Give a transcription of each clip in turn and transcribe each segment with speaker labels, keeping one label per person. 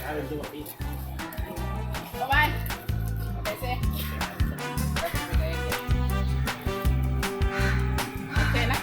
Speaker 1: Bye कैसे अच्छे है ना?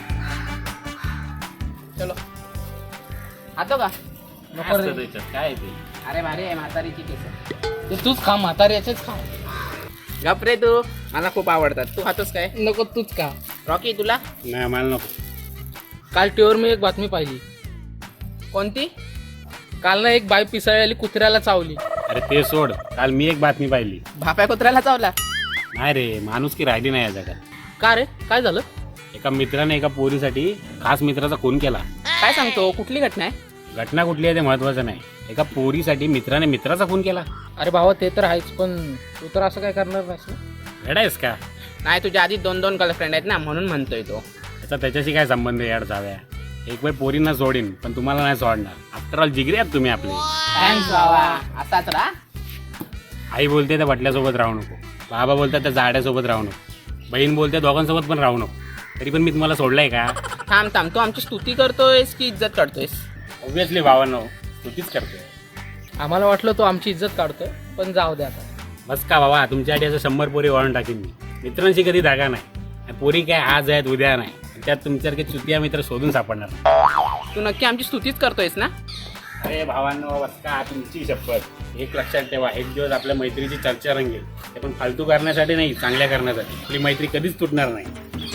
Speaker 1: चलो आतो का?
Speaker 2: नको रे.
Speaker 3: काय ते
Speaker 1: अरे भारी आहे म्हातारीची केस.
Speaker 2: ते तूच खा, म्हातारी याचेच खा.
Speaker 1: गप रे तू, मला खूप आवडतात. तू खातोस काय?
Speaker 2: नको तूच खा.
Speaker 1: रॉकी तुला
Speaker 3: नाही मला नको.
Speaker 2: काल टीव्हीवर मी एक बातमी पाहिली.
Speaker 1: कोणती?
Speaker 2: काल ना एक बाई पिसाळलेली कुत्र्याला चावली.
Speaker 3: अरे ते सोड, काल मी एक बातमी पाहिली.
Speaker 1: भाप्या कुत्र्याला चावला?
Speaker 3: नाही रे, माणूस की राहिली नाही या जगात.
Speaker 2: का रे, काय झालं?
Speaker 3: एका मित्राने एका पोरीसाठी खास मित्राचा खून केला.
Speaker 1: काय सांगतो? कुठली घटना आहे?
Speaker 3: घटना कुठली आहे ते महत्वाचं नाही. एका पोरीसाठी मित्राने मित्राचा खून केला.
Speaker 2: अरे भावा ते तर आहेच, पण तू तर असं काय करणार नाहीस ना?
Speaker 3: वेडायस का?
Speaker 1: नाही तुझ्या आधी 2-2 गर्लफ्रेंड आहेत ना, म्हणून म्हणतोय तो.
Speaker 3: त्याचा त्याच्याशी काय संबंध आहे याड जाव्या? एक वेळ पोरींना सोडीन, पण तुम्हाला नाही सोडणार. आफ्टर ऑल जिगरी आहात तुम्ही आपले.
Speaker 1: थँक्स बाबा. असाच राहा.
Speaker 3: आई बोलते त्या बटल्यासोबत राहू नको, बाबा बोलतात त्या जाड्यासोबत राहू नको, बहीण बोलते दोघांसोबत पण राहू नको. तरी पण मी तुम्हाला सोडलंय का?
Speaker 1: थांब तू आमची स्तुती करतोयस की इज्जत करतोयस?
Speaker 3: ऑब्विसली भावांनो, स्तुतीच करतोय.
Speaker 2: आम्हाला वाटलं तो आमची इज्जत काढतोय, पण जाऊ दे आता.
Speaker 3: बस का बाबा, तुमच्यासाठी असं 100 पोरी वाळून टाकीन मी. मित्रांशी कधी धागा नाही. पोरी काय आज आहेत उद्या नाही. त्यात तुमच्यासारखे चुतिया मित्र शोधून सापडणार.
Speaker 1: तू नक्की आमची स्तुतीच करतोयस ना?
Speaker 3: अरे भावांनो, बस का, तुमची शपथ. एक लक्षात ठेवा, एक दिवस आपल्या मैत्रीची चर्चा रंगेल. ते पण फालतू करण्यासाठी नाही, चांगल्या करण्यासाठी. आपली मैत्री कधीच तुटणार नाही.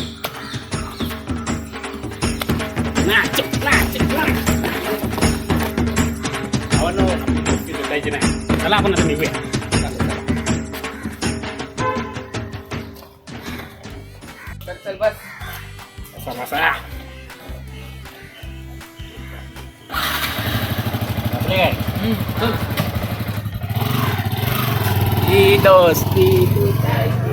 Speaker 3: भावांनो, आपली दोस्ती तुटायची नाही. चला आपण आता निघूया.
Speaker 1: चल बस.
Speaker 3: बसा बसा. बसले काय?
Speaker 2: चल.
Speaker 1: ही दोस्ती तुटायची.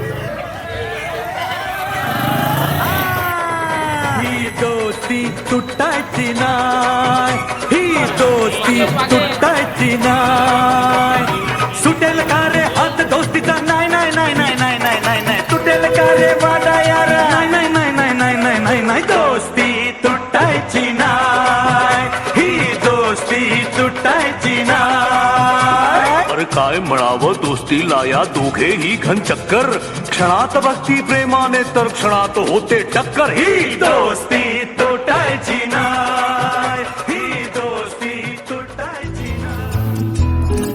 Speaker 4: ही दोस्ती तुटायची नाय, ही दोस्ती तुटायची नाय. सुटेल का रे हात दोस्तीचा? नाही नाही नाही नाही नाही नाही नाही नाही. तुटेल का रे वाडा यार? नाही नाही नाही नाही नाही नाही नाही नाही. दोस्ती तुटायची नाय, ही दोस्ती तुटायची नाय. अरे काय म्हणावं दोस्तीला या दोघेही घन चक्कर. क्षणात भक्ती प्रेमाने तर क्षणात होते टक्कर. ही दोस्ती तुटायची नाय, ही दोस्ती तुटायची नाय.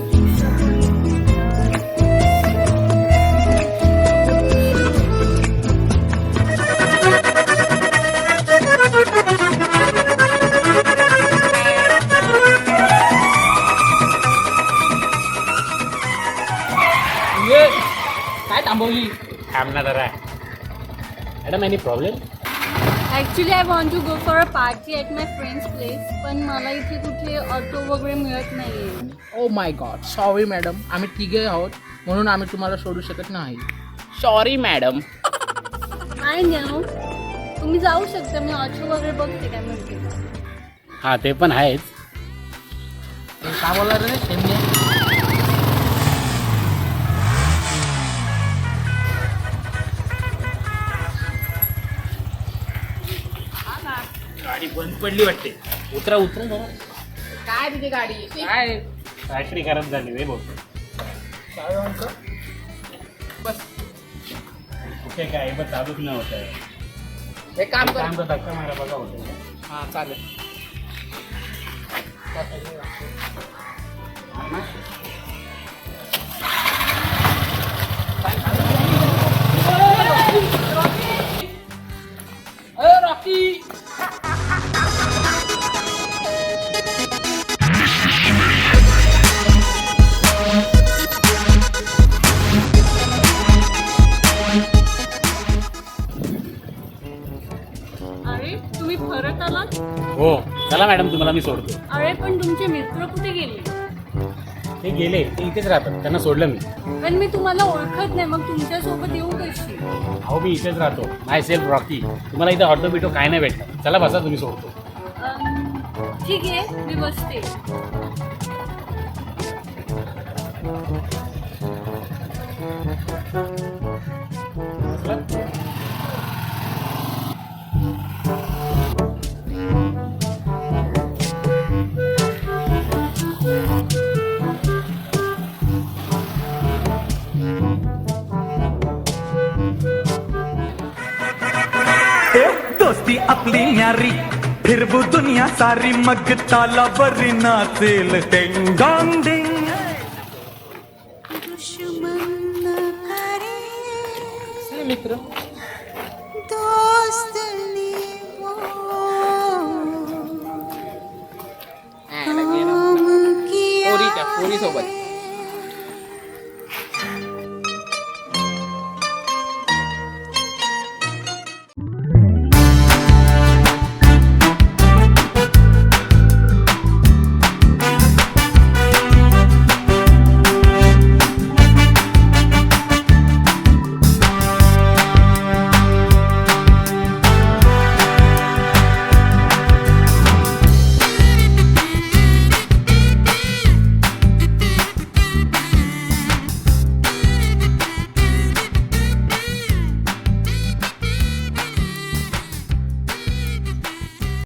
Speaker 2: ये, काय थांबवली?
Speaker 3: थांब ना जरा. Madam, any problem?
Speaker 5: Actually I want to go for a party at my friend's place, पण मला इथे कुठे ऑटो वगैरे मिळत नाही आहे.
Speaker 2: Oh my god, sorry madam. आम्ही तिघे आहोत, म्हणून आम्ही तुम्हाला सोडू शकत नाही.
Speaker 1: Sorry madam.
Speaker 5: आय नो, तुम्ही जाऊ शकता. मी ऑटो वगैरे बघते काय म्हणते.
Speaker 3: हां, ते पण आहेच.
Speaker 2: ते का बोलला रे शेमने?
Speaker 3: गाडी बंद पडली वाटते. उतरा उतरा जरा.
Speaker 1: काय तुझी गाडी?
Speaker 2: काय
Speaker 3: बॅटरी खराब झाली रे भाऊ.
Speaker 2: काय म्हणतो?
Speaker 1: बस.
Speaker 3: कुठे काय बस चालूच नाही होत आहे.
Speaker 1: हे काम कर.
Speaker 3: काम तर धक्का मारा बघा होतं.
Speaker 1: हा चालेल.
Speaker 2: रॉकी.
Speaker 5: अरे तुम्ही परत आलात?
Speaker 3: हो चला मॅडम, तुम्हाला मी सोडतो.
Speaker 5: अरे पण तुमचे मित्र कुठे गेले?
Speaker 3: ते गेले, ते इथेच राहतात. त्यांना सोडलं मी.
Speaker 5: पण मी तुम्हाला ओळखत नाही, मग तुमच्यासोबत येऊ कशी?
Speaker 3: अहो मी इथेच राहतो. Myself Rocky. तुम्हाला इथं ऑटो बिटो काय नाही भेटणार. चला बसा, तुम्ही सोडतो.
Speaker 5: ठीक आहे, मी बसते.
Speaker 4: न्यारी फिर वो दुनिया सारी मग ताला बरी नाचेल टिंग डॉंग डिंग
Speaker 2: मित्र
Speaker 1: पोरी सोबत